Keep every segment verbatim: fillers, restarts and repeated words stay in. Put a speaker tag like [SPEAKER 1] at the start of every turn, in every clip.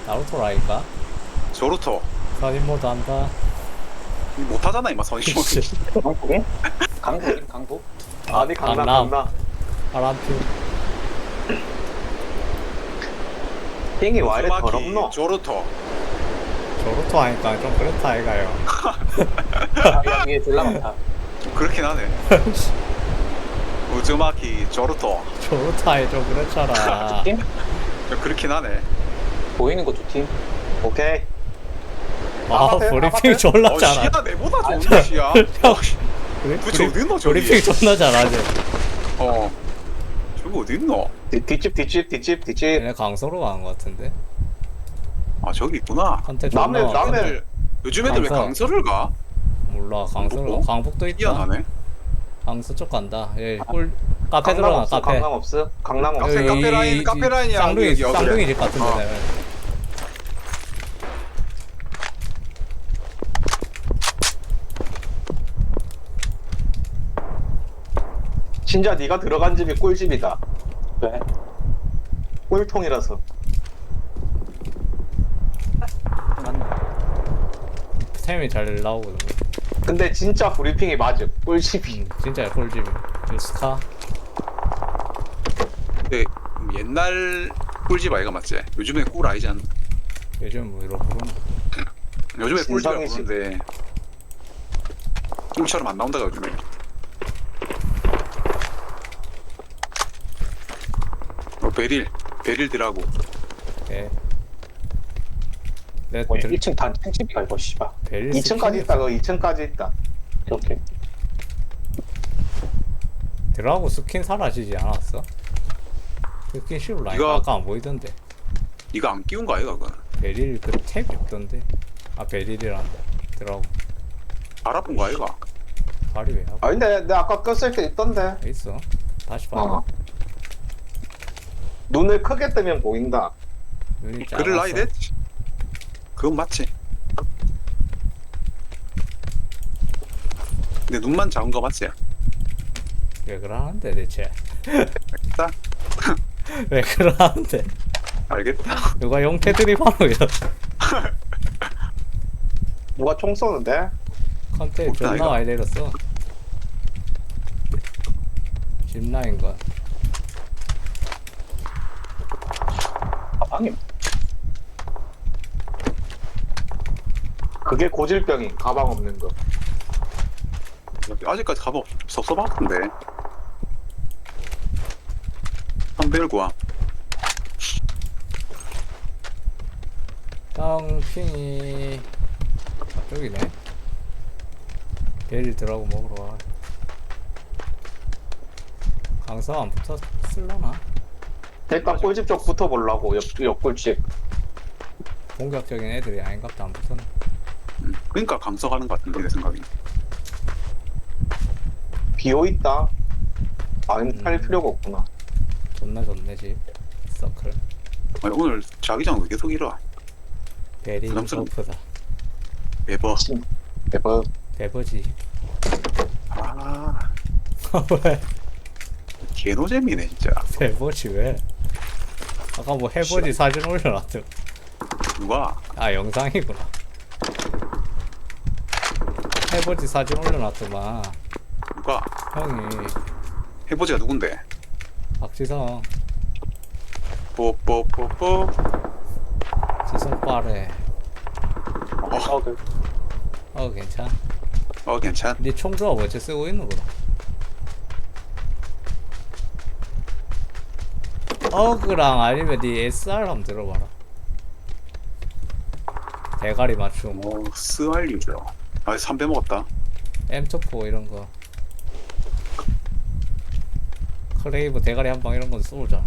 [SPEAKER 1] 나루토라니까.
[SPEAKER 2] 저루토
[SPEAKER 1] 선임모드 한다.
[SPEAKER 2] 못하잖아 이마 선임.
[SPEAKER 3] 강북에? 강북? 강북? 아니 강남
[SPEAKER 1] 강남.
[SPEAKER 3] 강남.
[SPEAKER 1] 파란팀.
[SPEAKER 3] 빙이 와 이래
[SPEAKER 2] 우즈마키
[SPEAKER 3] 더럽노?
[SPEAKER 2] 저루토.
[SPEAKER 1] 저루토 하니까 좀 그렇다 아이가요.
[SPEAKER 3] 야 위에 졸라 많다.
[SPEAKER 2] 좀 그렇긴 하네. 우즈마키 저루토.
[SPEAKER 1] 저루토 하니 좀 그렇잖아.
[SPEAKER 3] 팀?
[SPEAKER 2] 좀 그렇긴 하네.
[SPEAKER 3] 보이는 거 두 팀. 오케이.
[SPEAKER 1] 아
[SPEAKER 3] 아파트,
[SPEAKER 1] 브리핑
[SPEAKER 3] 아파트.
[SPEAKER 1] 졸라
[SPEAKER 2] 어
[SPEAKER 1] 잘하.
[SPEAKER 2] 시야 내보다 좋은데 시야. 어, 씨.
[SPEAKER 1] 브리-
[SPEAKER 2] 도대체
[SPEAKER 1] 브리-
[SPEAKER 2] 어디 있노 저기?
[SPEAKER 1] 브리핑 존나 잘하지.
[SPEAKER 2] 어. 저기 어디 있노?
[SPEAKER 3] 뒤, 뒷집 뒷집 뒷집 뒷집.
[SPEAKER 1] 얘네 강서로 가는 것 같은데.
[SPEAKER 2] 아 저기 있구나.
[SPEAKER 1] 컨테 존나
[SPEAKER 3] 남해
[SPEAKER 1] 많던데.
[SPEAKER 3] 남해.
[SPEAKER 2] 요즘 애들 왜
[SPEAKER 1] 강서.
[SPEAKER 2] 강서를 가?
[SPEAKER 1] 몰라 강서로
[SPEAKER 2] 강북도?
[SPEAKER 1] 강북도 있다.
[SPEAKER 2] 희한하네.
[SPEAKER 1] 강서 쪽 간다. 예, 꿀 카페
[SPEAKER 3] 강남
[SPEAKER 1] 들어가
[SPEAKER 3] 없어.
[SPEAKER 1] 카페.
[SPEAKER 3] 강남 없어. 강남 없어.
[SPEAKER 2] 카페, 카페 라인, 카페 라인이야,
[SPEAKER 1] 쌍둥이
[SPEAKER 2] 여기, 여기.
[SPEAKER 1] 쌍둥이 집 같은데.
[SPEAKER 2] 어.
[SPEAKER 1] 네.
[SPEAKER 3] 진짜 네가 들어간 집이 꿀집이다.
[SPEAKER 4] 왜?
[SPEAKER 3] 꿀통이라서.
[SPEAKER 4] 맞네.
[SPEAKER 1] 템이 잘 나오거든.
[SPEAKER 3] 근데 진짜 브리핑이 맞음. 꿀집이.
[SPEAKER 1] 음, 진짜 꿀집이. 스카.
[SPEAKER 2] 근데 옛날 꿀집 아이가 맞지? 요즘에 꿀 아니지 않나?
[SPEAKER 1] 요즘 뭐 이런 부르는 거.
[SPEAKER 2] 요즘에 꿀집이라고
[SPEAKER 3] 진상이지.
[SPEAKER 2] 부르는데 꿀처럼 안 나온다가 요즘에. 어 베릴 베릴 드라고.
[SPEAKER 1] 예. 내
[SPEAKER 4] 뭐
[SPEAKER 1] 들,
[SPEAKER 4] 일 층 단층집이가 이거 씨발.
[SPEAKER 1] 베릴
[SPEAKER 3] 이 층까지
[SPEAKER 1] 스킨이
[SPEAKER 3] 있다. 그 이 층까지 있다.
[SPEAKER 4] 이렇게.
[SPEAKER 1] 드라고 스킨 사라지지 않았어? 스킨 씹을라
[SPEAKER 2] 이거-
[SPEAKER 1] 아까 안 보이던데.
[SPEAKER 2] 이거 안 끼운 거 아이가 그거?
[SPEAKER 1] 베릴 그 탭이 없던데. 아 베릴이란다. 드라고
[SPEAKER 2] 알아본 거 아이가?
[SPEAKER 1] 발이 왜 하고
[SPEAKER 3] 아 근데 내가 아까 껐을 때 있던데.
[SPEAKER 1] 있어? 다시 봐.
[SPEAKER 3] 어. 눈을 크게 뜨면 보인다.
[SPEAKER 1] 눈이 작아서.
[SPEAKER 2] 그를 나이 됐? 그건 맞지. 근데 눈만 작은 거 맞지?
[SPEAKER 1] 왜 그러는데 대체?
[SPEAKER 2] 알겠다.
[SPEAKER 1] 왜 그러는데?
[SPEAKER 2] 알겠다.
[SPEAKER 1] 누가 용태 드립하노 이런
[SPEAKER 3] 누가 총 쏘는데?
[SPEAKER 1] 컨테
[SPEAKER 2] 없다,
[SPEAKER 1] 존나
[SPEAKER 2] 이거.
[SPEAKER 1] 많이 내렸어. 집라인건
[SPEAKER 4] 가방이
[SPEAKER 3] 그게 고질병인 가방 없는 거.
[SPEAKER 2] 아직까지 가보 섭섭하던데. 한벨 구함.
[SPEAKER 1] 땅핑이 저쪽이네. 베릴 들어가고 먹으러 와. 강서 안 붙었을라나?
[SPEAKER 3] 일단 꿀집 쪽 붙어보려고. 옆, 옆꿀집.
[SPEAKER 1] 공격적인 애들이 아닌갑다. 안 붙었네.
[SPEAKER 2] 음, 그러니까 강서 가는 거 같은데 내 생각이.
[SPEAKER 3] 비어있다. 안
[SPEAKER 1] 음.
[SPEAKER 3] 팔 필요가 없구나.
[SPEAKER 1] 존나 좋네 집. 서클.
[SPEAKER 2] 아니, 오늘 자기장 왜 계속 이러?
[SPEAKER 1] 베릴
[SPEAKER 2] 부담스러워.
[SPEAKER 1] 소프다.
[SPEAKER 2] 매버.
[SPEAKER 3] 대박.
[SPEAKER 1] 베버지.
[SPEAKER 2] 아
[SPEAKER 1] 왜?
[SPEAKER 2] 개노잼이네 진짜.
[SPEAKER 1] 베버지 왜? 아까 뭐 해버지 사진 올려놨더라.
[SPEAKER 2] 누가?
[SPEAKER 1] 아 영상이구나. 해버지 사진 올려놨더만.
[SPEAKER 2] 누가?
[SPEAKER 1] 형이
[SPEAKER 2] 해보지가 누군데?
[SPEAKER 1] 박지성
[SPEAKER 2] 뽀뽀뽀뽀.
[SPEAKER 1] 지성 빠래.
[SPEAKER 2] 어,
[SPEAKER 4] 어, 그
[SPEAKER 1] 어 괜찮.
[SPEAKER 2] 어 괜찮.
[SPEAKER 1] 니 총조합 어째 쓰고 있는 거라? 어그랑 아니면 니 에스알 한번 들어봐라. 대가리 맞춤.
[SPEAKER 2] 뭐 스알류죠. 아 삼배 먹었다.
[SPEAKER 1] 엠투포 이런 거. 크레이브 대가리 한 방 이런 건 쏘잖아.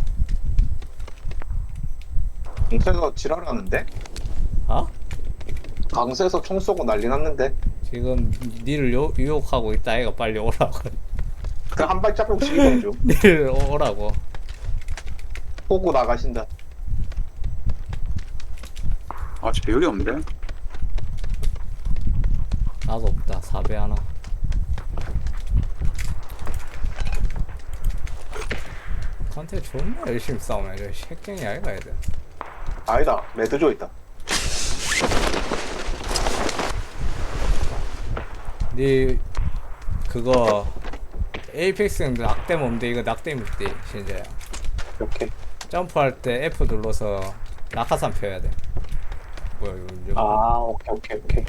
[SPEAKER 3] 강세에서 지랄하는데?
[SPEAKER 1] 어?
[SPEAKER 3] 강세에서 총 쏘고 난리 났는데?
[SPEAKER 1] 지금 니를 요, 유혹하고 있다. 애가 빨리 오라고.
[SPEAKER 3] 그 한 발자국 지금 중.
[SPEAKER 1] 니를 오라고.
[SPEAKER 3] 보고 나가신다.
[SPEAKER 2] 아 배율이 없는데?
[SPEAKER 1] 나도 없다. 사배 하나. 컨테 존나 열심히 싸우네. 저 새끼이 아이가 애들.
[SPEAKER 3] 아니다. 레드조 있다.
[SPEAKER 1] 니 그거 에이펙스는 낙뎀 없는데 이거 낙뎀 있대 진짜야.
[SPEAKER 4] 이렇게.
[SPEAKER 1] 점프할 때 F 눌러서 낙하산 펴야 돼. 뭐야 이거 이거
[SPEAKER 4] 아, 오케이, 오케이, 오케이.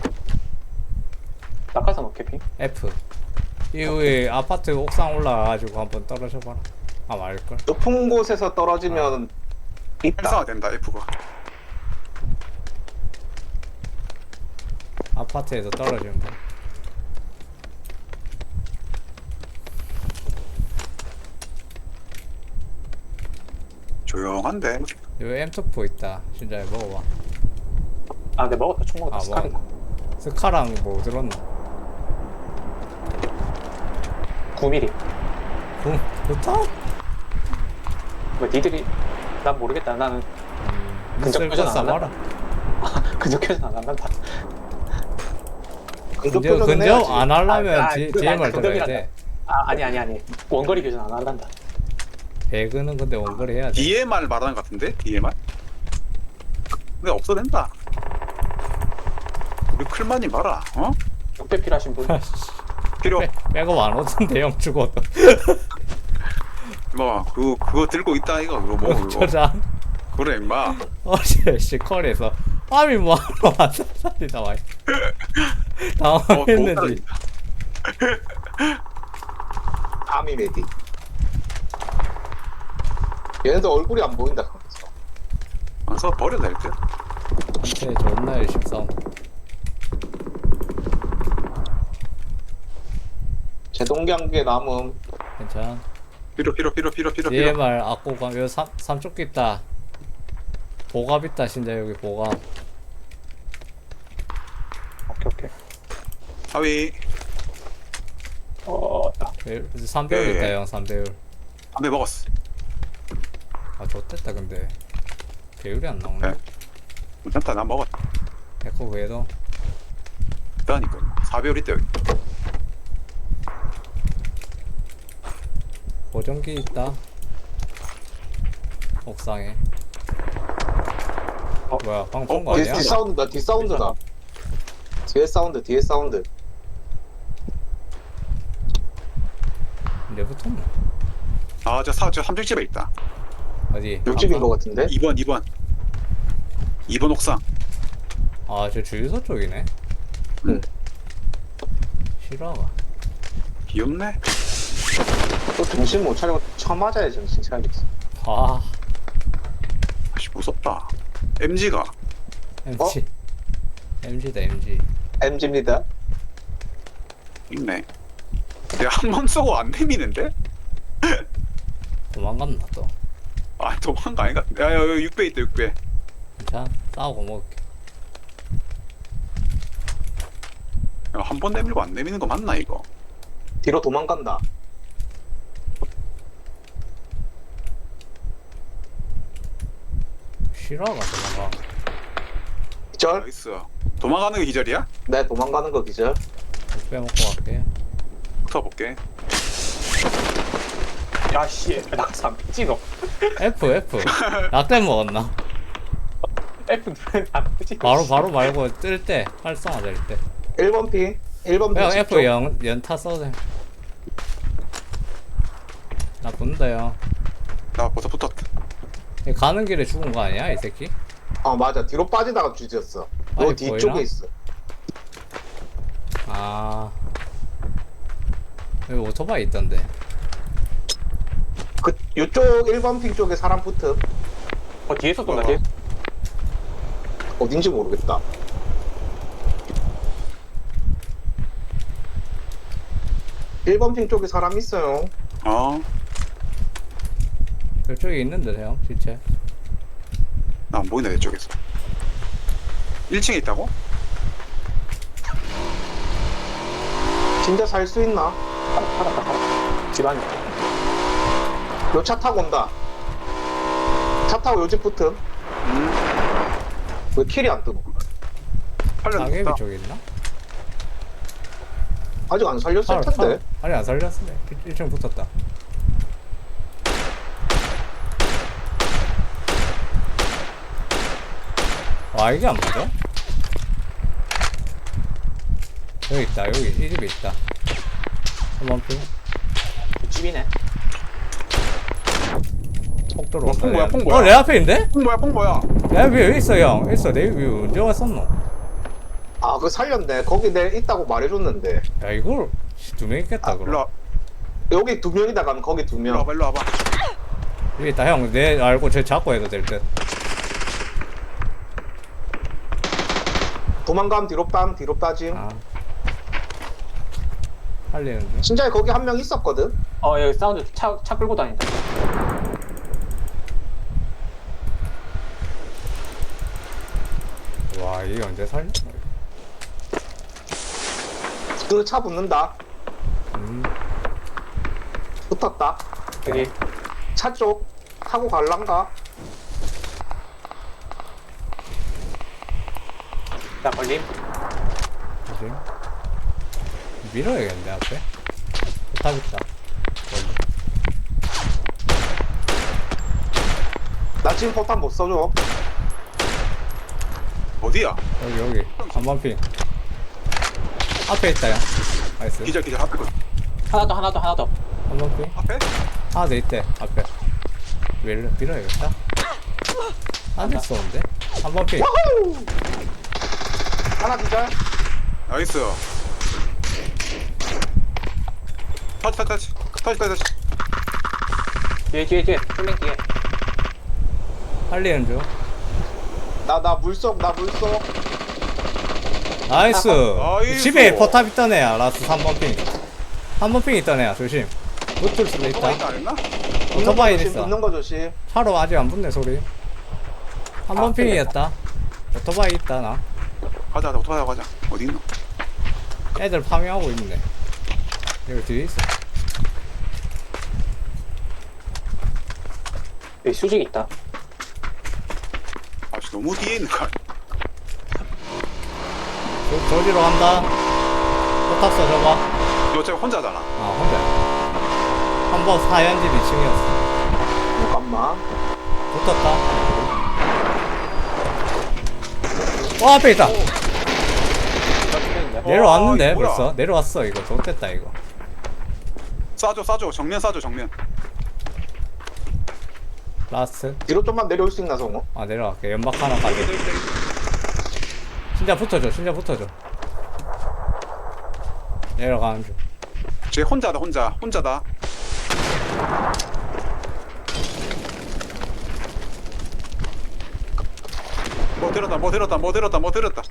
[SPEAKER 4] 낙하산 어깨 핑?
[SPEAKER 1] F. 이후에 아파트 옥상 올라가가지고 한번 떨어져봐라. 아 말걸.
[SPEAKER 3] 높은 곳에서 떨어지면 있다.
[SPEAKER 2] 활성화 된다 F가.
[SPEAKER 1] 아파트에서 떨어지면 돼.
[SPEAKER 2] 조용한데.
[SPEAKER 1] 여기 엠투포 있다. 진짜 먹어봐.
[SPEAKER 4] 아, 내 먹었다. 총 먹었다.
[SPEAKER 1] 아
[SPEAKER 4] 스카리.
[SPEAKER 1] 먹었나? 스카랑 뭐 들었나?
[SPEAKER 4] 구 밀리미터.
[SPEAKER 1] 구, 구타?
[SPEAKER 4] 뭐 니들이 난 모르겠다. 나는
[SPEAKER 1] 음,
[SPEAKER 4] 근접
[SPEAKER 1] 쓸
[SPEAKER 4] 표현
[SPEAKER 1] 거
[SPEAKER 4] 안
[SPEAKER 1] 써봐라.
[SPEAKER 4] 근접해서 안 한다.
[SPEAKER 3] 근접
[SPEAKER 1] 근접,
[SPEAKER 3] 표현은
[SPEAKER 1] 근접
[SPEAKER 3] 해야지.
[SPEAKER 1] 안 하려면
[SPEAKER 4] 아, 아,
[SPEAKER 1] 디-
[SPEAKER 4] 그,
[SPEAKER 1] 디엠알
[SPEAKER 4] 아,
[SPEAKER 1] 들어야
[SPEAKER 4] 근접이란다.
[SPEAKER 1] 돼.
[SPEAKER 4] 아, 아니 아니 아니. 원거리 교전 안 한단다.
[SPEAKER 1] 배그는 근데 원거리 해야 돼.
[SPEAKER 2] 디엠알 말하는 것 같은데? 디엠알? 근데 없어도 된다. 우리 클만이 봐라. 어?
[SPEAKER 4] 육백 필요하신 분.
[SPEAKER 2] 필요.
[SPEAKER 1] 빼, 백업 안 오던데 형 죽어도.
[SPEAKER 2] 뭐 그거 그거 들고 있다 이거 그거 뭐 그거.
[SPEAKER 1] 저장.
[SPEAKER 2] 그래 임마.
[SPEAKER 1] 어제 시컬에서 아미 뭐하러 왔어? 살리다 와.
[SPEAKER 2] 어,
[SPEAKER 1] 당황했는지.
[SPEAKER 3] 아미 메디. 얘네들 얼굴이 안 보인다. 그래서.
[SPEAKER 2] 그래서 버려도 될 듯.
[SPEAKER 1] 네, 존나 열심히 싸움.
[SPEAKER 3] 제동경계 남음.
[SPEAKER 1] 괜찮아.
[SPEAKER 2] 필요 필요 필요 필요 필요 필요.
[SPEAKER 1] 디엠알 악고감 여기 삼 삼쪽기 있다. 보갑 있다 진짜 여기 보갑.
[SPEAKER 4] 오케이 오케이.
[SPEAKER 2] 하위
[SPEAKER 4] 어, 아,
[SPEAKER 1] 삼 배율
[SPEAKER 2] 예,
[SPEAKER 1] 있다
[SPEAKER 2] 예.
[SPEAKER 1] 형 삼 배율.
[SPEAKER 2] 담배 먹었어.
[SPEAKER 1] 아 좋댔다 근데 배율이 안 나오네.
[SPEAKER 2] 네. 괜찮다 나 먹었다.
[SPEAKER 1] 에코 그래도
[SPEAKER 2] 있다니까. 사 배율 있다 여기.
[SPEAKER 1] 보정기 있다. 옥상에.
[SPEAKER 4] 어?
[SPEAKER 1] 뭐야 방금 본 거
[SPEAKER 2] 어,
[SPEAKER 3] 뒤,
[SPEAKER 1] 아니야?
[SPEAKER 3] 뒤 사운드다. 뒤 사운드다. 뒤에 사운드. 뒤에 사운드.
[SPEAKER 1] 이제 붙었나?
[SPEAKER 2] 아저 사 저 삼층 집에 있다.
[SPEAKER 1] 어디?
[SPEAKER 3] 육집인
[SPEAKER 1] 아,
[SPEAKER 3] 것 같은데.
[SPEAKER 2] 이 번 이 번. 이 번 옥상.
[SPEAKER 1] 아저 주유소 쪽이네.
[SPEAKER 3] 응.
[SPEAKER 1] 싫어가.
[SPEAKER 2] 귀엽네.
[SPEAKER 3] 또 정신 못 차리고 쳐맞아야 정신 차리겠어.
[SPEAKER 1] 아
[SPEAKER 2] 아씨 무섭다. 엠지가
[SPEAKER 1] 엠지. 엠지다 엠지.
[SPEAKER 3] 엠지입니다.
[SPEAKER 2] 있네. 내가 한 번 쏘고 안 내미는데?
[SPEAKER 1] 도망갔나 또.
[SPEAKER 2] 아 도망가 아닌 것 같은데. 야 여기 육 배 있다 육 배.
[SPEAKER 1] 괜찮아. 싸우고 먹을게.
[SPEAKER 2] 한 번 내밀고 안 내미는 거 맞나 이거?
[SPEAKER 3] 뒤로 도망간다.
[SPEAKER 1] 싫어가 도망가.
[SPEAKER 3] 기절?
[SPEAKER 2] 나이스. 도망가는 게 기절이야?
[SPEAKER 3] 네, 도망가는 거 기절.
[SPEAKER 1] 빼먹고 갈게.
[SPEAKER 2] 붙어볼게.
[SPEAKER 4] 야 씨, 낙산 삐지노.
[SPEAKER 1] F F. 낙뎀 먹었나?
[SPEAKER 4] F 안 삐지.
[SPEAKER 1] 바로 바로 말고 뜰 때 활성화 될 때.
[SPEAKER 3] 일 번 피. 일 번 피.
[SPEAKER 1] 형
[SPEAKER 3] 집 쪽.
[SPEAKER 1] F 연 연타 써도 돼. 나 본다 형.
[SPEAKER 2] 나 벌써 붙었다.
[SPEAKER 1] 얘 가는 길에 죽은 거 아니야 이 새끼?
[SPEAKER 3] 아, 맞아. 뒤로 빠지다가 뒤졌어. 너
[SPEAKER 1] 아니,
[SPEAKER 3] 뒤쪽에
[SPEAKER 1] 보이나?
[SPEAKER 3] 있어.
[SPEAKER 1] 아 여기 오토바이 있던데.
[SPEAKER 3] 그 이쪽 일 번 핑 쪽에 사람 붙음.
[SPEAKER 4] 어 뒤에서 쏜다.
[SPEAKER 2] 어.
[SPEAKER 4] 뒤에.
[SPEAKER 3] 어딘지 모르겠다. 일 번 핑 쪽에 사람 있어요.
[SPEAKER 2] 어?
[SPEAKER 1] 저쪽에 있는데 형 시체.
[SPEAKER 2] 나 안 보이네 내 쪽에서. 일 층에 있다고?
[SPEAKER 3] 진짜 살 수 있나?
[SPEAKER 4] 살았다 살았다. 집안에.
[SPEAKER 3] 요 차 타고 온다. 차 타고 요 집 붙음.
[SPEAKER 2] 음.
[SPEAKER 3] 왜 킬이 안 뜨고?
[SPEAKER 2] 팔렸다.
[SPEAKER 1] 가게비 쪽에 있나?
[SPEAKER 3] 아직 안 살렸을
[SPEAKER 1] 차로,
[SPEAKER 3] 텐데.
[SPEAKER 1] 차로. 아니 안 살렸어. 일 층 붙었다. 와 이게 안 맞아? 여기 있다 여기 이 집에 있다 한번 피
[SPEAKER 4] 집이네.
[SPEAKER 1] 폭 들어온다
[SPEAKER 2] 어, 폭 뭐야,
[SPEAKER 1] 내-
[SPEAKER 2] 폭 뭐야?
[SPEAKER 1] 어, 내 앞에 있는데?
[SPEAKER 2] 뽕 뭐야 뽕 뭐야?
[SPEAKER 1] 내 앞에 여기 있어 형 있어 내 위에 언제 왔었노?
[SPEAKER 3] 아, 그거 살렸네. 거기 내 있다고 말해줬는데.
[SPEAKER 1] 야 이걸 두 명 있겠다
[SPEAKER 2] 아,
[SPEAKER 1] 그럼
[SPEAKER 2] 일로 와
[SPEAKER 3] 여기 두 명이다 가면 거기 두
[SPEAKER 2] 일로
[SPEAKER 3] 명.
[SPEAKER 2] 와봐 일로 와봐.
[SPEAKER 1] 여기 있다 형 내 알고 쟤 잡고 해도 될듯
[SPEAKER 3] 도망가면 뒤로 빰, 뒤로 빠짐.
[SPEAKER 1] 아 살리는 중?
[SPEAKER 3] 진짜 거기 한 명 있었거든?
[SPEAKER 4] 어 여기 사운드 차, 차 끌고 다닌다.
[SPEAKER 1] 와 이게 언제 살렸노?
[SPEAKER 3] 그 차 붙는다.
[SPEAKER 1] 음
[SPEAKER 3] 붙었다.
[SPEAKER 4] 여기
[SPEAKER 3] 차 쪽 타고 갈란가?
[SPEAKER 4] 나 걸림.
[SPEAKER 1] 뭐지? 밀어야겠는데 앞에? 탑 있다
[SPEAKER 3] 나 지금 포탄 못 써줘.
[SPEAKER 2] 어디야?
[SPEAKER 1] 여기 여기 한번 핀 앞에 있다 형 나이스
[SPEAKER 2] 기절 기절 앞에 거
[SPEAKER 4] 하나 더 하나 더 하나 더.
[SPEAKER 1] 한번 핀
[SPEAKER 2] 앞에?
[SPEAKER 1] 하나 더 있대 앞에 밀, 밀어야겠다 안돼 쏘는데? 한번 핀
[SPEAKER 3] 하나 기절.
[SPEAKER 2] 나이스. 터치 터치 터치 터치 터치.
[SPEAKER 4] 뒤에 뒤에 뒤에 쫄랭 뒤에.
[SPEAKER 1] 살리는 중
[SPEAKER 3] 나, 나 물속, 나 물속.
[SPEAKER 1] 나이스
[SPEAKER 2] 나이스.
[SPEAKER 1] 집에 포탑 있던 애야 라스트 삼 번 핑 삼 번 핑 있던 애야 조심 붙을 수도 있다
[SPEAKER 2] 오토바이 안 했나?
[SPEAKER 1] 오토바이
[SPEAKER 3] 조심,
[SPEAKER 1] 있어
[SPEAKER 3] 붙는 거 조심.
[SPEAKER 1] 차로 아직 안 붙네 소리 한 번
[SPEAKER 4] 아,
[SPEAKER 1] 핑이었다 오토바이 있다 나
[SPEAKER 2] 가자 가자 오토바이 가자. 어디 있노?
[SPEAKER 1] 애들 파밍하고 있네 여기 뒤에 있어
[SPEAKER 4] 여기 수직 있다.
[SPEAKER 2] 아 씨, 너무 뒤에 있는 거 아니야?
[SPEAKER 1] 저, 저기로 간다 포탑 써줘봐
[SPEAKER 2] 너 어차피 혼자잖아.
[SPEAKER 1] 아 혼자 한 번 사연집 이 층이었어
[SPEAKER 3] 잠깐만.
[SPEAKER 1] 붙었다 어 앞에 있다 내려왔는데
[SPEAKER 2] 아, 이거 뭐야?
[SPEAKER 1] 벌써 내려왔어 이거 좋됐다 이거
[SPEAKER 2] 쏴줘 쏴줘 정면 쏴줘 정면.
[SPEAKER 1] 라스트
[SPEAKER 3] 뒤로 좀만 내려올 수 있나, 성우?
[SPEAKER 1] 아 내려갈게 연막 하나 가게 진짜 붙어줘 진짜 붙어줘 내려가는 중
[SPEAKER 2] 쟤 혼자다 혼자 혼자다. 뭐 들었다 뭐 들었다 뭐 들었다 뭐 들었다.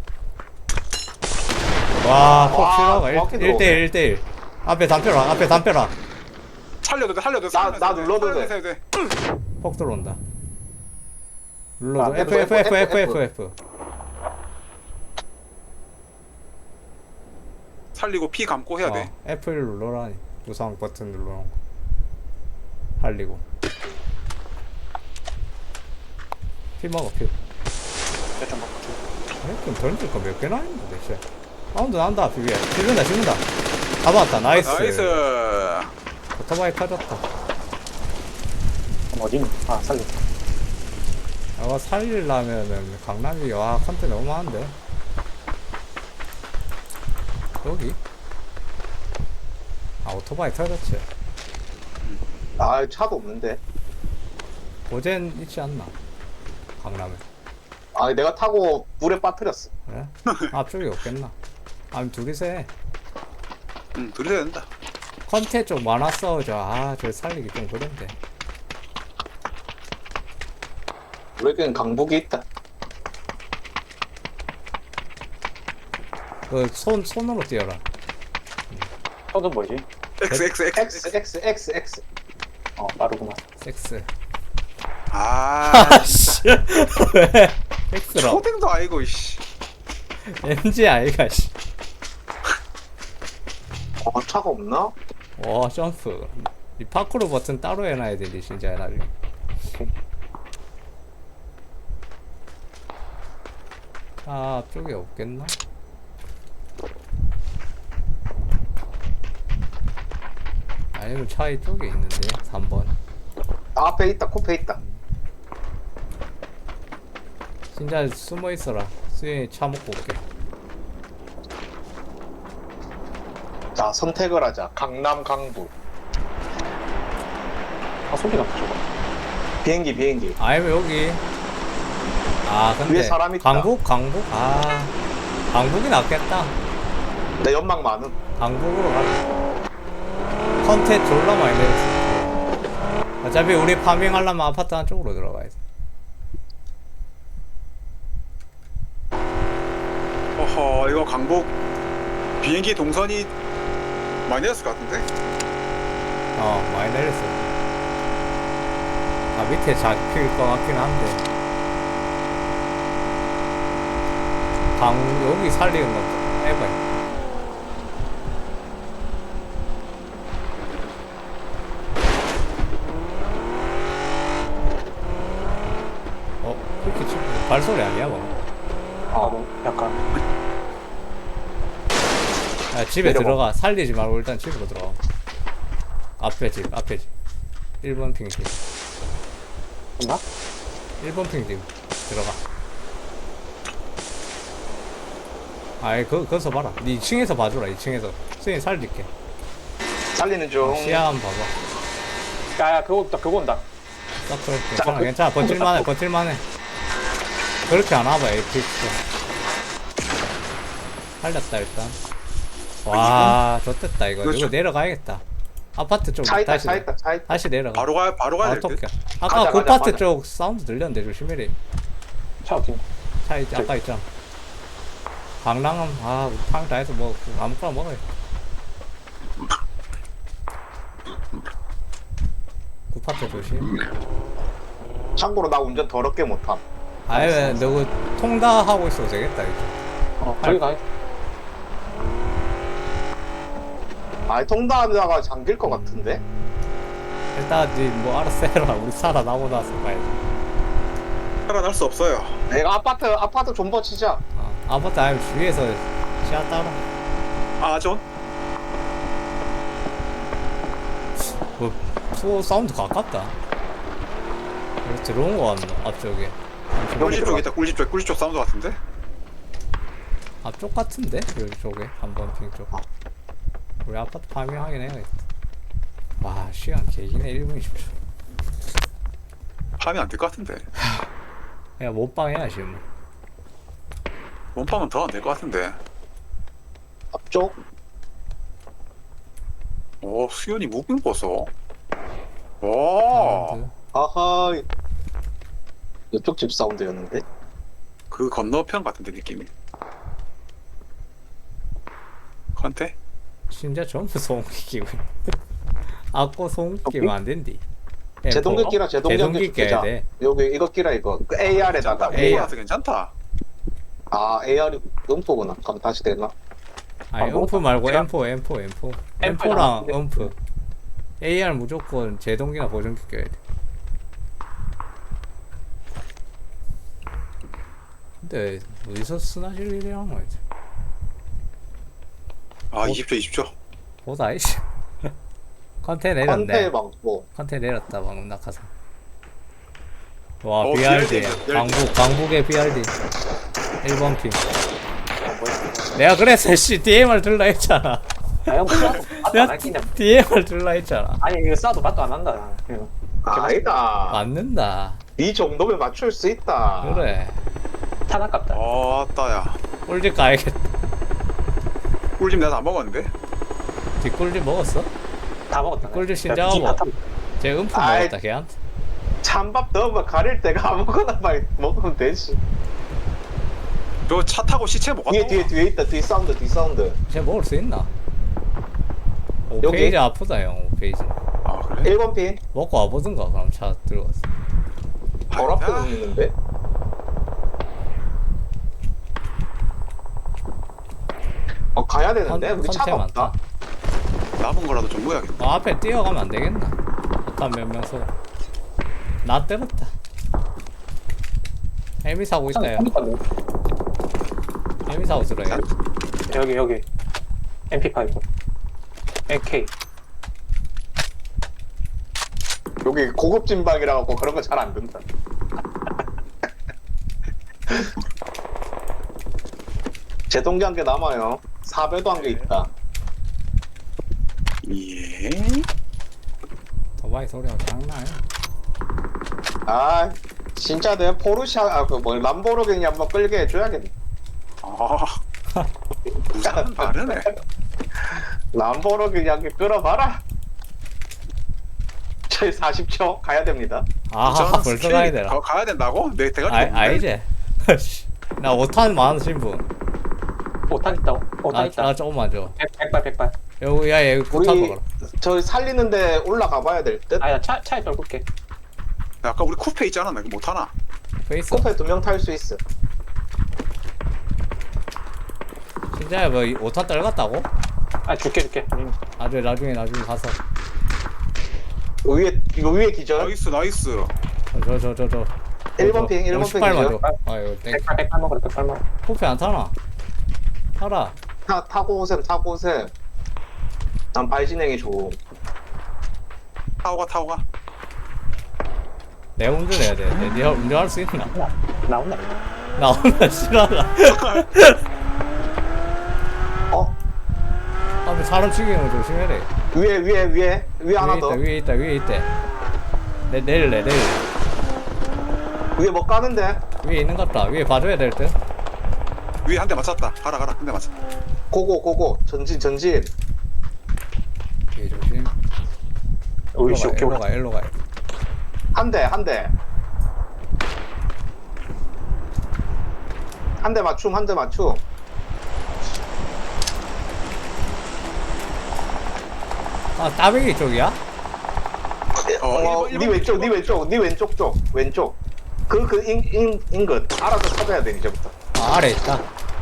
[SPEAKER 1] 와, 폭
[SPEAKER 3] 와,
[SPEAKER 1] 실화가
[SPEAKER 3] 정확히
[SPEAKER 1] 일 대 일, 일 대 일. 앞에 담벼라, 앞에 담벼라.
[SPEAKER 2] 살려도 돼 살려도 돼.
[SPEAKER 3] 나-
[SPEAKER 2] 살려도
[SPEAKER 3] 나
[SPEAKER 2] 돼,
[SPEAKER 3] 눌러도
[SPEAKER 2] 살려도
[SPEAKER 3] 돼.
[SPEAKER 2] 돼.
[SPEAKER 1] 폭 들어온다. 눌러도
[SPEAKER 3] 아,
[SPEAKER 1] F, F, F, F, F,
[SPEAKER 3] F.
[SPEAKER 1] F.
[SPEAKER 2] 살리고 피 감고 해야 돼.
[SPEAKER 1] 어, 에프 일 눌러라니. 우상 버튼 눌러놓은 거. 살리고. 피 먹어, 피.
[SPEAKER 4] 좀 먹고.
[SPEAKER 1] 아니, 좀 던질 거 몇 개나 있는데, 대체. 사운드 난다, 비비야. 찍는다, 찍는다. 잡았다, 나이스.
[SPEAKER 2] 나이스.
[SPEAKER 1] 오토바이 터졌다.
[SPEAKER 4] 어디 있니? 아 살리.
[SPEAKER 1] 이거 살리려면은 강남이, 와, 컨테 너무 많은데. 여기? 아, 오토바이 터졌지.
[SPEAKER 3] 아, 차도 없는데.
[SPEAKER 1] 고젠 있지 않나? 강남에.
[SPEAKER 3] 아, 내가 타고 물에 빠뜨렸어.
[SPEAKER 1] 그래? 앞쪽에 없겠나? 아니, 둘이서 해.
[SPEAKER 2] 응 둘이 해야 된다.
[SPEAKER 1] 컨테 좀 많았어. 저, 아, 저 살리기 좀 그런데.
[SPEAKER 3] 우리에겐 강북이 있다.
[SPEAKER 1] 그, 손, 손으로 뛰어라.
[SPEAKER 4] 저도 뭐지?
[SPEAKER 2] X X X.
[SPEAKER 3] X, X, X, X.
[SPEAKER 4] 어 빠르구만.
[SPEAKER 1] 섹스.
[SPEAKER 2] 아.
[SPEAKER 1] 아, 씨. 왜? 섹스라.
[SPEAKER 2] 초딩도 아니고 씨.
[SPEAKER 1] 엠지 아이가, 씨.
[SPEAKER 3] 어, 차가 없나?
[SPEAKER 1] 와, 점프. 이 파크로 버튼 따로 해놔야 되지, 진짜, 나중에. 아, 앞쪽에 없겠나? 아니면 차 이쪽에 있는데, 삼 번.
[SPEAKER 3] 아, 앞에 있다, 코페 있다.
[SPEAKER 1] 진짜 숨어 있어라. 수현이 차 먹고 올게.
[SPEAKER 3] 자, 선택을 하자. 강남, 강북.
[SPEAKER 4] 아, 소리가 나, 저거.
[SPEAKER 3] 비행기, 비행기.
[SPEAKER 1] 아니면 여기. 아 근데
[SPEAKER 3] 위에 사람 있다.
[SPEAKER 1] 강북 강북 아 강북이 낫겠다.
[SPEAKER 3] 내 연막 많음.
[SPEAKER 1] 강북으로 가자. 컨텐츠 졸라 많이 내렸어. 어차피 우리 파밍하려면 아파트 한쪽으로 들어가야 돼.
[SPEAKER 2] 어허, 이거 강북 비행기 동선이 많이 내렸을 것 같은데?
[SPEAKER 1] 어 많이 내렸어. 아 밑에 잡힐 것 같긴 한데 강 여기 살리는 거 해봐요. 어 그렇게 치 발소리 아니야 뭐?
[SPEAKER 4] 아, 뭐, 약간.
[SPEAKER 1] 야, 집에
[SPEAKER 4] 내려가.
[SPEAKER 1] 들어가. 살리지 말고 일단 집으로 들어가. 앞에 집, 앞에 집. 일 번 핑 집.
[SPEAKER 4] 있나?
[SPEAKER 1] 일 번 핑 집. 들어가. 아이, 그, 거기서 봐라. 니 이 층에서 봐줘라, 이 층에서. 수현이 살릴게.
[SPEAKER 3] 살리는 중.
[SPEAKER 1] 시야 한번 봐봐.
[SPEAKER 4] 야, 야, 그거 온다, 그거 온다.
[SPEAKER 1] 서클. 괜찮아, 괜찮아. 버틸만해, 버틸만해. 그렇게 안 와봐, 에이픽스. 살렸다, 일단. 와, 좋됐다, 이거.
[SPEAKER 2] 그렇죠.
[SPEAKER 1] 이거 내려가야겠다. 아파트 쪽
[SPEAKER 3] 차 있다,
[SPEAKER 1] 다시,
[SPEAKER 3] 차 있다, 차 있다.
[SPEAKER 1] 다시 내려가.
[SPEAKER 2] 바로 가, 바로 가야 될 듯?
[SPEAKER 1] 어떡해. 아까
[SPEAKER 3] 가자,
[SPEAKER 1] 그
[SPEAKER 3] 가자,
[SPEAKER 1] 파트
[SPEAKER 3] 가자.
[SPEAKER 1] 쪽 사운드 들렸는데 조심해라.
[SPEAKER 4] 차 어디 있냐?
[SPEAKER 1] 차 있, 아까 있잖아. 강랑은 아 우리 탕 다 해서 뭐 아무거나 먹어요. 구파트 조심.
[SPEAKER 3] 참고로 나 운전 더럽게 못함.
[SPEAKER 1] 아예 너그 통다 하고 있어도 되겠다 이거.
[SPEAKER 4] 어, 저기 가.
[SPEAKER 3] 아, 통닭하다가 잠길 것 같은데?
[SPEAKER 1] 일단 니뭐 알아서 해라. 우리 살아나고 나서 봐야지.
[SPEAKER 2] 살아날 수 없어요.
[SPEAKER 3] 내가 아파트, 아파트 존버 치자.
[SPEAKER 1] 어, 아파트 아니면 주위에서 시야 따라.
[SPEAKER 2] 아, 존?
[SPEAKER 1] 뭐 투어 사운드 가깝다. 여기 들어온 거 같나 앞쪽에.
[SPEAKER 2] 꿀집 쪽 있다, 꿀집 쪽, 꿀집 쪽 사운드 같은데?
[SPEAKER 1] 앞쪽 같은데 여기 쪽에 한번 핑 쪽. 우리 아파트 파밍하긴 해야겠다. 와 시간 개기네 일 분 이십 초.
[SPEAKER 2] 하면 안 될 것 같은데.
[SPEAKER 1] 야 못방 해야지 뭐.
[SPEAKER 2] 몸빵은 더 안 될 것 같은데.
[SPEAKER 3] 앞쪽?
[SPEAKER 2] 오, 수연이 무빙 보소. 와,
[SPEAKER 1] 사운드.
[SPEAKER 3] 아하. 이쪽 집 사운드였는데?
[SPEAKER 2] 그 건너편 같은데, 느낌이. 컨테?
[SPEAKER 1] 진짜 전부 소음기 끼고 아꼬 소음기 끼면 안 된디.
[SPEAKER 3] 제동기 끼라, 제동기
[SPEAKER 1] 제동기 껴야 돼.
[SPEAKER 3] 여기 이거 끼라, 이거. 그 에이알에다가.
[SPEAKER 2] 괜찮다,
[SPEAKER 1] 에이.
[SPEAKER 2] 무빙 와서 괜찮다.
[SPEAKER 3] 아, 에이알이 음포구나. 그럼 다시 되나?
[SPEAKER 1] 아니
[SPEAKER 4] 아, 뭐?
[SPEAKER 1] 음프 말고
[SPEAKER 2] 제가-
[SPEAKER 1] 엠포 엠포 엠포
[SPEAKER 4] 엠포
[SPEAKER 1] 엠포랑
[SPEAKER 4] 나왔는데.
[SPEAKER 1] 음프 에이알 무조건 제동기나 보정기 껴야 돼. 근데 어디서 스나질 일이란 거지?
[SPEAKER 2] 아, 이십 초, 이십 초.
[SPEAKER 1] 보다 이씨. 컨테
[SPEAKER 3] 컨테
[SPEAKER 1] 내렸네.
[SPEAKER 3] 방고.
[SPEAKER 1] 컨테 내렸다 방금 낙하산. 와
[SPEAKER 2] 어,
[SPEAKER 1] 비알디
[SPEAKER 2] 비알디.
[SPEAKER 1] 강북 강북의 비알디 일 번 핑.
[SPEAKER 4] 어, 뭐야.
[SPEAKER 1] 내가 그래서 씨 디엠알 들라 했잖아.
[SPEAKER 4] 야, 형, 싸도 맛도 안
[SPEAKER 1] 내가
[SPEAKER 4] 할기냐.
[SPEAKER 1] 디엠알 들라 했잖아.
[SPEAKER 4] 아니, 이거 싸도 맛도 안 한다. 이거.
[SPEAKER 3] 아니다.
[SPEAKER 1] 맞는다.
[SPEAKER 3] 이 정도면 맞출 수 있다.
[SPEAKER 1] 그래.
[SPEAKER 4] 탄 아깝다.
[SPEAKER 2] 어, 따야.
[SPEAKER 1] 꿀집 가야겠다.
[SPEAKER 2] 꿀집 내가 다 먹었는데?
[SPEAKER 1] 뒷꿀집 먹었어?
[SPEAKER 4] 다 먹었다.
[SPEAKER 1] 꿀집
[SPEAKER 4] 야,
[SPEAKER 1] 신장하고.
[SPEAKER 4] 비빔 다 탔-
[SPEAKER 1] 쟤 음프
[SPEAKER 3] 아이.
[SPEAKER 1] 먹었다 걔한테.
[SPEAKER 3] 찬밥 넣으면 가릴 때가 아무거나 막 먹으면 되지.
[SPEAKER 2] 너 차 타고 시체 못 갔다
[SPEAKER 3] 뒤에, 뒤에, 뒤에 있다. 뒤 사운드, 뒤 사운드.
[SPEAKER 1] 쟤 먹을 수 있나? 오
[SPEAKER 3] 여기?
[SPEAKER 1] 페이지 아프다 형. 오 페이지.
[SPEAKER 2] 아, 그래?
[SPEAKER 3] 일 번 핀.
[SPEAKER 1] 먹고 와보든가 그럼 차 들어갔어.
[SPEAKER 3] 바로 앞에
[SPEAKER 2] 아,
[SPEAKER 3] 있는데? 어, 가야 되는데? 우리 차가 없다.
[SPEAKER 2] 남은 거라도 좀 모여야겠다.
[SPEAKER 1] 어, 앞에 뛰어가면 안 되겠나? 일단 몇 명 쏘. 나 때렸다. 해미 사고 있다 야. 해미 사고 들어야.
[SPEAKER 4] 여기, 여기. 엠피 파이브. 에이케이.
[SPEAKER 3] 여기 고급 진방이라 갖고 그런 거 잘 안 된다. 제동기 한 개 남아요. 사배도 한 개 있다.
[SPEAKER 2] 예.
[SPEAKER 1] 도바이 소리가 장난 아니야.
[SPEAKER 3] 아, 진짜 내 포르샤, 아, 그 뭐, 람보르기니 한번 끌게 해줘야겠네.
[SPEAKER 2] 아. 부산은 다르네.
[SPEAKER 3] 람보르기니 한 개 끌어봐라. 저희 사십 초 가야 됩니다.
[SPEAKER 1] 아
[SPEAKER 2] 부산
[SPEAKER 1] 벌써
[SPEAKER 2] 스케일이
[SPEAKER 1] 가야 되나?
[SPEAKER 2] 가, 가야 된다고? 내 대가리
[SPEAKER 1] 아,
[SPEAKER 2] 없는데?
[SPEAKER 1] 아니지. 나 오 탄 많으신 분.
[SPEAKER 4] 오탄 있다고? 오탄
[SPEAKER 1] 나,
[SPEAKER 4] 있다.
[SPEAKER 1] 나 조금만 줘.
[SPEAKER 4] 백, 백발 백발.
[SPEAKER 1] 여기 야 여기 포탄
[SPEAKER 3] 우리
[SPEAKER 1] 먹어라.
[SPEAKER 3] 저희 살리는데 올라가 봐야 될 듯?
[SPEAKER 4] 아야 차 차에 떨굴게.
[SPEAKER 2] 아까 우리 쿠페 있잖아. 나 이거 못하나?
[SPEAKER 1] 페이스.
[SPEAKER 3] 코페 두 명 탈 수 있어.
[SPEAKER 1] 진짜 뭐 오 탄 떨갔다고?
[SPEAKER 4] 아 줄게 줄게. 음.
[SPEAKER 1] 나중에 나중에 나중에 가서.
[SPEAKER 3] 위에, 이거 위에 기절.
[SPEAKER 2] 나이스 나이스.
[SPEAKER 1] 저 저 저 저.
[SPEAKER 3] 일 번 핑, 일 번
[SPEAKER 1] 오십팔 만
[SPEAKER 3] 핑이죠.
[SPEAKER 1] 줘. 아 이거 땡.
[SPEAKER 4] 백발 백발 먹으라 백발 먹어.
[SPEAKER 1] 코피 안 타나? 타라.
[SPEAKER 3] 타, 타고 오셈, 타고 오셈. 난 발진행이 좋음.
[SPEAKER 2] 타오가 타오가.
[SPEAKER 1] 내가 운전해야 돼. 내, 네가 운전할 수 있나?
[SPEAKER 4] 나온다.
[SPEAKER 1] 나 오늘 싫어하나?
[SPEAKER 3] 어?
[SPEAKER 1] 아, 사람 죽이는 거 조심해야 돼.
[SPEAKER 3] 위에, 위에, 위에. 위에 하나
[SPEAKER 1] 위에
[SPEAKER 3] 더.
[SPEAKER 1] 있다, 위에 있다, 위에 있대. 내 내릴래, 내릴래.
[SPEAKER 3] 위에 뭐 까는데?
[SPEAKER 1] 위에 있는 것 같다. 위에 봐줘야 될 듯.
[SPEAKER 2] 위에 한 대 맞췄다. 가라 가라 한 대 맞췄다.
[SPEAKER 3] 고고, 고고. 전진, 전진.
[SPEAKER 1] 뒤에 조심.
[SPEAKER 4] 오이씨
[SPEAKER 1] 일로
[SPEAKER 4] 오케이
[SPEAKER 1] 가,
[SPEAKER 4] 올라.
[SPEAKER 1] 일로 가, 일로 가.
[SPEAKER 3] 한 대, 한 대. 한 대 맞춤, 한 대 맞춤.
[SPEAKER 1] 아, 따배기 쪽이야?
[SPEAKER 2] 어,
[SPEAKER 3] 어,
[SPEAKER 2] 일본,
[SPEAKER 3] 네
[SPEAKER 2] 일본,
[SPEAKER 3] 왼쪽, 네
[SPEAKER 2] 일본.
[SPEAKER 3] 왼쪽, 네 왼쪽 쪽, 왼쪽. 그, 그, 인, 인, 인긋. 알아서 찾아야 돼, 이제부터.
[SPEAKER 1] 아, 아래 있다.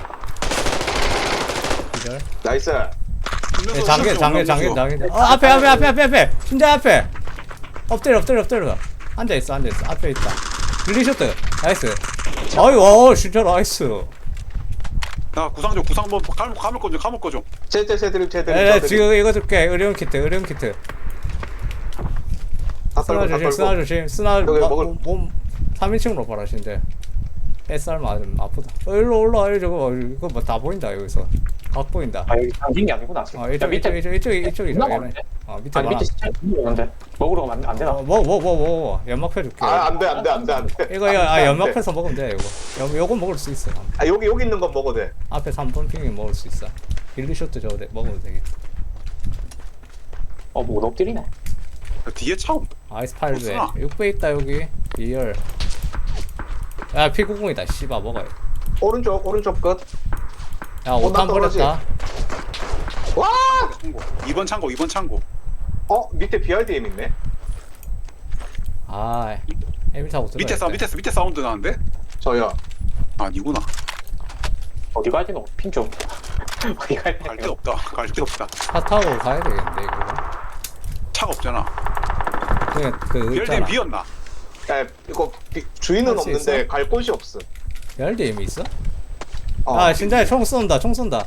[SPEAKER 1] 기절.
[SPEAKER 3] 나이스.
[SPEAKER 1] 네, 장계, 장계, 장계, 장계. 어, 앞에, 앞에, 앞에, 앞에, 앞에. 심장 앞에. 엎드려, 엎드려, 엎드려. 앉아있어, 앉아있어. 앞에 있다. 릴리쇼트. 나이스. 어이, 와, 진짜 나이스.
[SPEAKER 2] 나 구상 좀 구상 뭐 감을 감을 거좀 감을 거 좀.
[SPEAKER 3] 제, 제, 제 드립, 제 드립.
[SPEAKER 1] 에,
[SPEAKER 3] 저 드립.
[SPEAKER 1] 지금 이거 줄게. 의료용 키트, 의료용 키트.
[SPEAKER 3] 다
[SPEAKER 1] 스나
[SPEAKER 3] 떨고, 다
[SPEAKER 1] 조심, 스나
[SPEAKER 3] 떨고.
[SPEAKER 1] 조심. 스나,
[SPEAKER 3] 여기
[SPEAKER 1] 마-
[SPEAKER 3] 먹을-
[SPEAKER 1] 몸, 몸 삼 인칭으로 봐라신데. 햇살 맞으면 아프다. 어, 일로 올라와, 이거 저거. 이거 뭐 다 보인다, 여기서. 각 보인다.
[SPEAKER 4] 아 여기 당긴 게 아니구나. 지금.
[SPEAKER 1] 어, 이쪽,
[SPEAKER 4] 야, 밑에
[SPEAKER 1] 이쪽, 이쪽, 이쪽, 이쪽이다.
[SPEAKER 4] 존나
[SPEAKER 1] 얘네.
[SPEAKER 4] 많은데?
[SPEAKER 1] 어, 밑에
[SPEAKER 4] 아니
[SPEAKER 1] 많아.
[SPEAKER 4] 밑에 진짜 있는데 먹으러 가면 안, 안 되나?
[SPEAKER 1] 어, 먹어, 먹어, 먹어, 먹어. 연막 펴줄게.
[SPEAKER 3] 아, 안 돼, 안 돼, 안 돼, 안 돼.
[SPEAKER 1] 이거, 이거, 아,
[SPEAKER 3] 안 돼.
[SPEAKER 1] 연막 펴서 먹으면 돼, 이거. 요, 요거 먹을 수 있어.
[SPEAKER 3] 아, 여기, 여기 있는 건 먹어도 돼.
[SPEAKER 1] 앞에 삼 번 핑이 먹을 수 있어. 릴리쇼트 저거 돼- 먹어도 되겠다.
[SPEAKER 4] 어못 엎드리네.
[SPEAKER 2] 뒤에 차 온다.
[SPEAKER 1] 아이스 팔 배.
[SPEAKER 2] 없구나.
[SPEAKER 1] 육 배 있다, 여기. 이열. 야, 피 구십이다. 씨발, 먹어요.
[SPEAKER 3] 오른쪽, 오른쪽 끝.
[SPEAKER 1] 야, 오 탄
[SPEAKER 3] 떨어지.
[SPEAKER 1] 버렸다.
[SPEAKER 3] 와!
[SPEAKER 2] 창고. 이번 창고 이번 창고.
[SPEAKER 3] 어, 밑에 비알디엠 있네.
[SPEAKER 1] 아, 에미 타고 들어.
[SPEAKER 2] 밑에 사 밑에 밑에 사운드 나는데?
[SPEAKER 3] 저요.
[SPEAKER 2] 아니구나.
[SPEAKER 4] 어디 가야 되노? 핀 좀. 어디 가야
[SPEAKER 2] 갈 데
[SPEAKER 4] 되노?
[SPEAKER 2] 없다. 갈 데 없다.
[SPEAKER 1] 차 타고 가야 되겠는데, 이거.
[SPEAKER 2] 차가 없잖아.
[SPEAKER 1] 그냥 그,
[SPEAKER 2] 비엘디엠
[SPEAKER 1] 있잖아.
[SPEAKER 2] 비었나?
[SPEAKER 3] 야, 이거 비- 주인은
[SPEAKER 1] 할수
[SPEAKER 3] 없는데
[SPEAKER 1] 있어?
[SPEAKER 3] 갈 곳이 없어.
[SPEAKER 1] 열대임이 있어?
[SPEAKER 3] 어.
[SPEAKER 1] 아, 진짜 총 쏜다, 총 쏜다.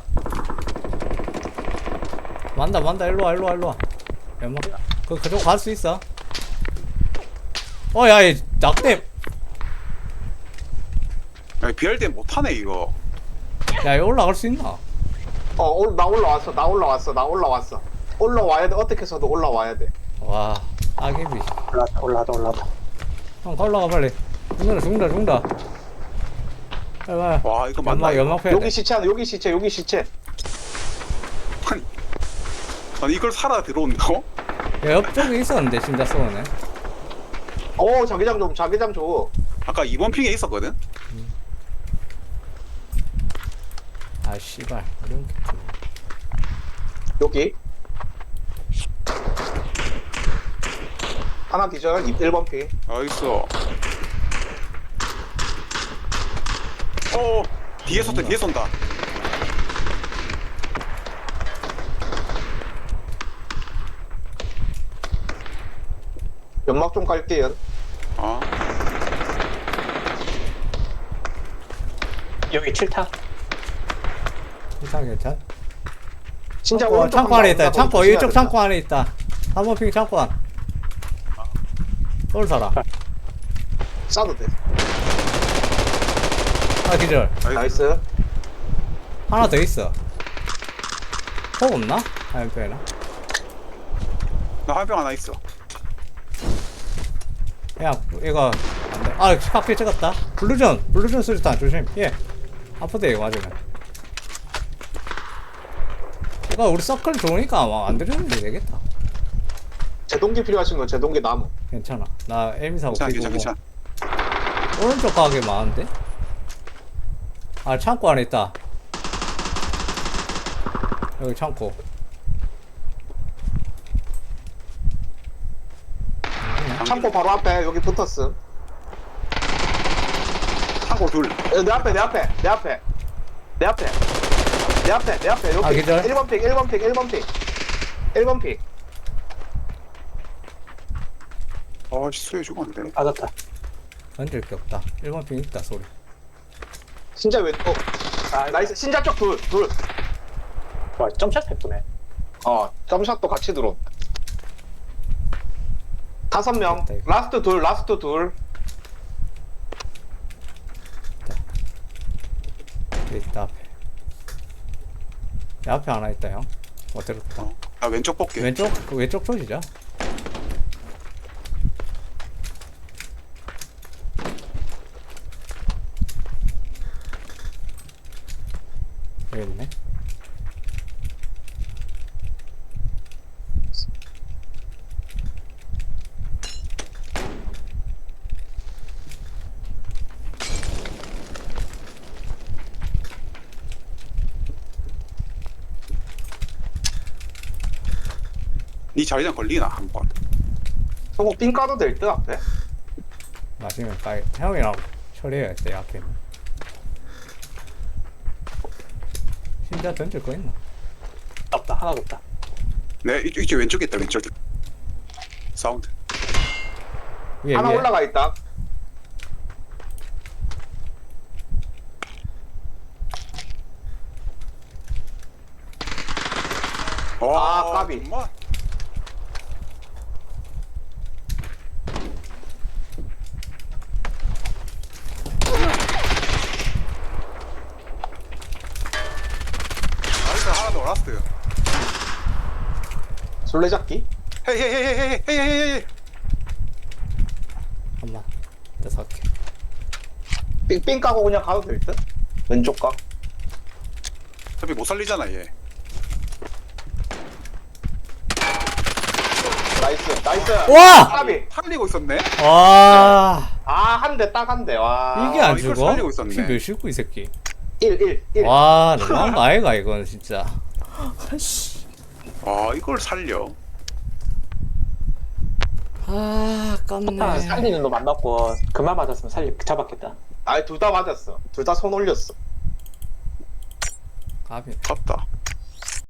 [SPEAKER 1] 만다, 만다, 일로 와, 일로 와, 일로 와. 연막. 그, 그쪽 갈 수 있어? 어, 야, 이 낙대.
[SPEAKER 2] 야, 비엘디엠 못하네 이거.
[SPEAKER 1] 야, 여기 올라갈 수 있나?
[SPEAKER 3] 어, 올, 나 올라왔어. 나 올라왔어. 나 올라왔어. 올라와야 돼. 어떻게 해서도 올라와야 돼.
[SPEAKER 1] 와, 아기비.
[SPEAKER 4] 올라다 올라다 올라다.
[SPEAKER 1] 형, 올라가, 빨리. 죽는다, 죽는다, 죽는다. 빨리, 빨리.
[SPEAKER 2] 와 이거 맞나?
[SPEAKER 1] 연막,
[SPEAKER 2] 이거?
[SPEAKER 1] 연막 패야 돼.
[SPEAKER 3] 여기 시체 하나, 여기 시체, 여기 시체.
[SPEAKER 2] 아니, 아니 이걸 살아 들어온다고?
[SPEAKER 1] 야, 옆쪽에 있었는데, 진짜 쏘네.
[SPEAKER 3] 어, 자기장 좀, 자기장 줘.
[SPEAKER 2] 아까 이번 핑에 있었거든.
[SPEAKER 1] 아, 씨발. 이런 게.
[SPEAKER 3] 여기. 하나 기절, 일 번 피.
[SPEAKER 2] 나이스. 어 뒤에 쏜다 뒤에 쏜다.
[SPEAKER 3] 연막 좀 깔게요.
[SPEAKER 2] 아
[SPEAKER 4] 여기 칠 타.
[SPEAKER 1] 괜찮, 괜찮.
[SPEAKER 3] 진짜
[SPEAKER 1] 어,
[SPEAKER 3] 오른쪽
[SPEAKER 1] 창고
[SPEAKER 3] 한
[SPEAKER 1] 안에
[SPEAKER 3] 번
[SPEAKER 1] 있다.
[SPEAKER 3] 온다.
[SPEAKER 1] 창고,
[SPEAKER 3] 조심해야
[SPEAKER 1] 이쪽
[SPEAKER 3] 된다.
[SPEAKER 1] 창고 안에 있다. 한 번 핑 창고 안. 쏠 사람.
[SPEAKER 3] 싸도 돼.
[SPEAKER 1] 아 기절.
[SPEAKER 3] 나이스.
[SPEAKER 1] 하나 더 있어. 폭 없나? 엠페나?
[SPEAKER 2] 나 화병 하나 있어.
[SPEAKER 1] 그냥 이거 안돼. 아 카페 찍었다. 블루전 블루전 수류탄 조심. 예. 아프다 이거 맞으면. 이거 우리 서클 좋으니까 아마 안 들으면 되겠다.
[SPEAKER 3] 제동기 필요하신 분 제동기 나무.
[SPEAKER 1] 괜찮아. 나 에미 사고
[SPEAKER 2] 괜찮아,
[SPEAKER 1] 끼고
[SPEAKER 2] 괜찮아, 괜찮아.
[SPEAKER 1] 오른쪽 가게 많은데? 아 창고 안에 있다. 여기 창고.
[SPEAKER 3] 창고 바로 앞에 여기 붙었음.
[SPEAKER 2] 창고 둘.
[SPEAKER 3] 어, 내 앞에 내 앞에 내 앞에 내 앞에 내 앞에 내 앞에 여기
[SPEAKER 1] 아, 기절?
[SPEAKER 3] 일 번 픽 일 번 픽 일 번 픽 일 번 픽.
[SPEAKER 2] 아씨 수혜 죽었는데.
[SPEAKER 4] 빠졌다.
[SPEAKER 1] 던질 게 없다. 일 번 핑 있다 소리.
[SPEAKER 3] 신자 왜? 어
[SPEAKER 4] 아,
[SPEAKER 3] 나이스. 신자 쪽 둘 둘.
[SPEAKER 4] 와, 점샷 해보네.
[SPEAKER 3] 어 점샷도 같이 들어. 다섯 명.
[SPEAKER 1] 됐다, 이거.
[SPEAKER 3] 라스트 둘 라스트 둘.
[SPEAKER 1] 여기 있다 앞에. 내 앞에 하나 있다 형. 어디로 갔다.
[SPEAKER 2] 어. 나 왼쪽 볼게.
[SPEAKER 1] 왼쪽 그 왼쪽 조지자. 여기 있네.
[SPEAKER 2] 네 자리장 걸리나 한번.
[SPEAKER 3] 저거 삥 까도 될 듯 앞에.
[SPEAKER 1] 마시면 까이. 형이랑 처리해야 돼 앞에 있는. 신자 던질 거 있나?
[SPEAKER 4] 없다. 하나도 없다.
[SPEAKER 2] 네 이쪽 이쪽 왼쪽에 있다 왼쪽에. 사운드.
[SPEAKER 1] 위에
[SPEAKER 3] 하나
[SPEAKER 1] 위에.
[SPEAKER 3] 올라가 있다.
[SPEAKER 2] 와,
[SPEAKER 3] 아, 까비.
[SPEAKER 2] 정말. 나이스 하나 더 라스트.
[SPEAKER 3] 술래잡기.
[SPEAKER 2] 헤이 헤이 헤이 헤이 헤이 헤이 헤이 헤이.
[SPEAKER 1] 한번 다섯 개.
[SPEAKER 3] 삥, 삥 까고 그냥 가도 될 듯. 왼쪽 각.
[SPEAKER 2] 어차피 못 살리잖아 얘.
[SPEAKER 3] 나이스 나이스.
[SPEAKER 1] 와!
[SPEAKER 3] 까비.
[SPEAKER 2] 살리고 있었네.
[SPEAKER 1] 와!
[SPEAKER 3] 아한 대 딱 한 대. 와.
[SPEAKER 1] 이게 안
[SPEAKER 2] 이걸
[SPEAKER 1] 죽어?
[SPEAKER 2] 살리고 있었네.
[SPEAKER 1] 피 몇이고 이 새끼.
[SPEAKER 3] 일 일 일.
[SPEAKER 1] 와, 너무한 거 아이가 이건 진짜.
[SPEAKER 2] 아 이걸 살려.
[SPEAKER 1] 아,
[SPEAKER 4] 아,
[SPEAKER 1] 깜네.
[SPEAKER 4] 살리는 놈 안 맞고 그만 맞았으면 살리 잡았겠다.
[SPEAKER 3] 아니 둘 다 맞았어. 둘 다 손 올렸어.
[SPEAKER 1] 까비.
[SPEAKER 2] 졌다.